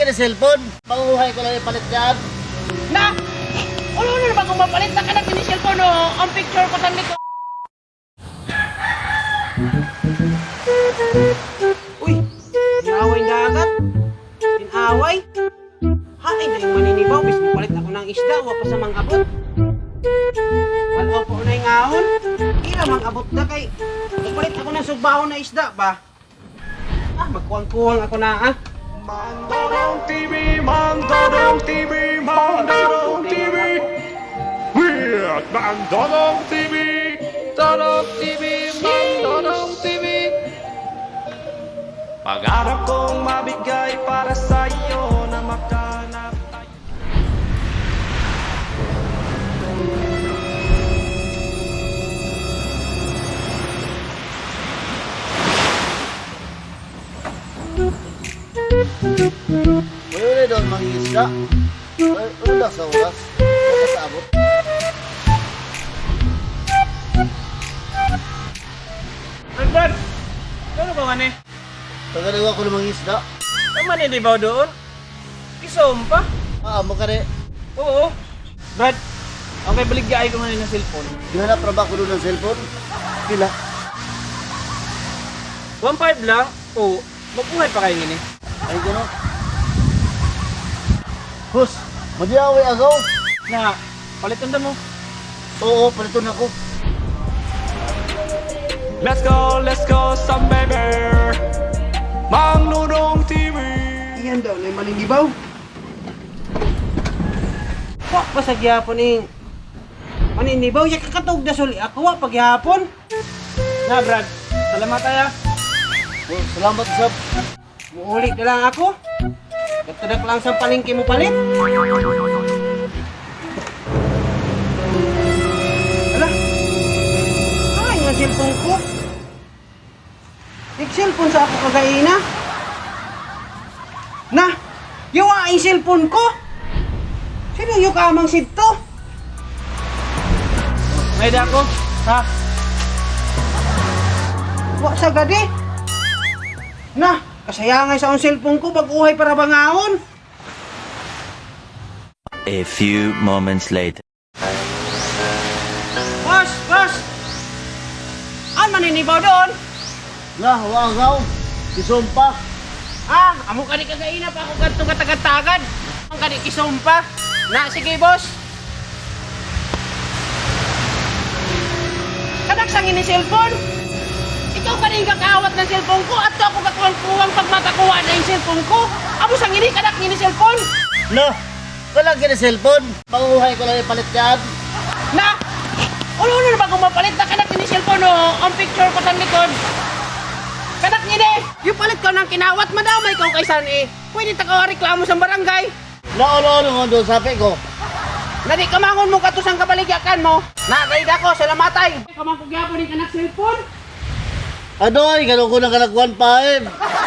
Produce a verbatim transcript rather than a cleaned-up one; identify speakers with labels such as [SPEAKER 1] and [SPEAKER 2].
[SPEAKER 1] gani cellphone. Panguhay ko lang ipalit dyan.
[SPEAKER 2] Na! Ulo na naman kung mapalit na ka ng kini cellphone o ang picture ko tanda ko. Uy! Inaway na agad. Inaway? Hain na yung maninibaw. Bis mo palit ako ng isda. Huwag pa sa mga abot. Wala po na yung ahon. Ila mga abot na kay. Magpalit ako ng sugbahon na isda ba? Ah, magkuwang-kuwang ako na ah.
[SPEAKER 3] Mandodong T V, Mandodong T V, Mandodong T V. Weird Mandodong T V, Dodong T V, Mandodong T V. Pangarap kong mabigay para sa iyo na makanap tayo.
[SPEAKER 1] Wala na doon mangingisda. Wala sa oras. Wala sa abot.
[SPEAKER 2] Brad, ano ba man eh?
[SPEAKER 1] Pagaliwa ko ng mangingisda.
[SPEAKER 2] Ang maninibaw doon? Isom pa?
[SPEAKER 1] Ah, mo ka rin.
[SPEAKER 2] Oo. Brad, okay, baligyaay ko ngayon ng cellphone.
[SPEAKER 1] Hinanap na ba ko doon ng cellphone? Pila?
[SPEAKER 2] one five lang? Oo. Magbuhay pa kayo ngini.
[SPEAKER 1] Ay, gano'n. Hus, madiaway agaw.
[SPEAKER 2] Na, palitan na mo.
[SPEAKER 1] Oo, paliton ako.
[SPEAKER 3] Let's go, let's go, some baby. Mandodong T V.
[SPEAKER 2] Iyan daw na yung maninibaw. Wak pa sa gyapon eh. Maninibaw, ya kakatog na suli ako wak pag gyapon. Na Brad, salamat tayo.
[SPEAKER 1] Oh, salamat, Sab.
[SPEAKER 2] Muulit na lang ako. Gatadak lang sa palengke mo palit. Ala. Ay, nga cellphone ko. Nag-cellphone sa ako kagaina. Na, yawa ang cellphone ko. Sino yung kamang sito? May dako, ha? Wa sa gadi. Na, kasayangay sa akong cellphone ko, baguhay para bangaon.
[SPEAKER 4] A few moments later.
[SPEAKER 2] Boss, boss! Ang maninibaw doon?
[SPEAKER 1] Nga, hawa agaw. Isumpa.
[SPEAKER 2] Ah, amo ka ni kagaina pa ako ganito katagad-tagad. Ang kani kisumpa. Na, sige boss. Kanak sang ini cellphone. Ikaw kaning kakawat ng cellphone ko at ako kakuwang-kuwang pag matakuha na yung cellphone ko. Amo sang ini kanak ini cellphone.
[SPEAKER 1] No, wala gani cellphone. Panguhay ko lang ipalit dyan.
[SPEAKER 2] Na, ulo na naman kung mapalit na kanak ini cellphone o ang picture ko sa likod. Kanak ngini, yung palit ko ng kinawat, madamay ko kay San eh. Pwede taka reklamo sa barangay.
[SPEAKER 1] Naulo-ulo nga doon, sabi ko.
[SPEAKER 2] Nadi kamangon mo kato sang kabaligyakan mo. Nagaid ako sa lamatay. Kamang kugyapon ni kanak cellphone.
[SPEAKER 1] Adoy, gano'n ko ng kalagwan pa eh.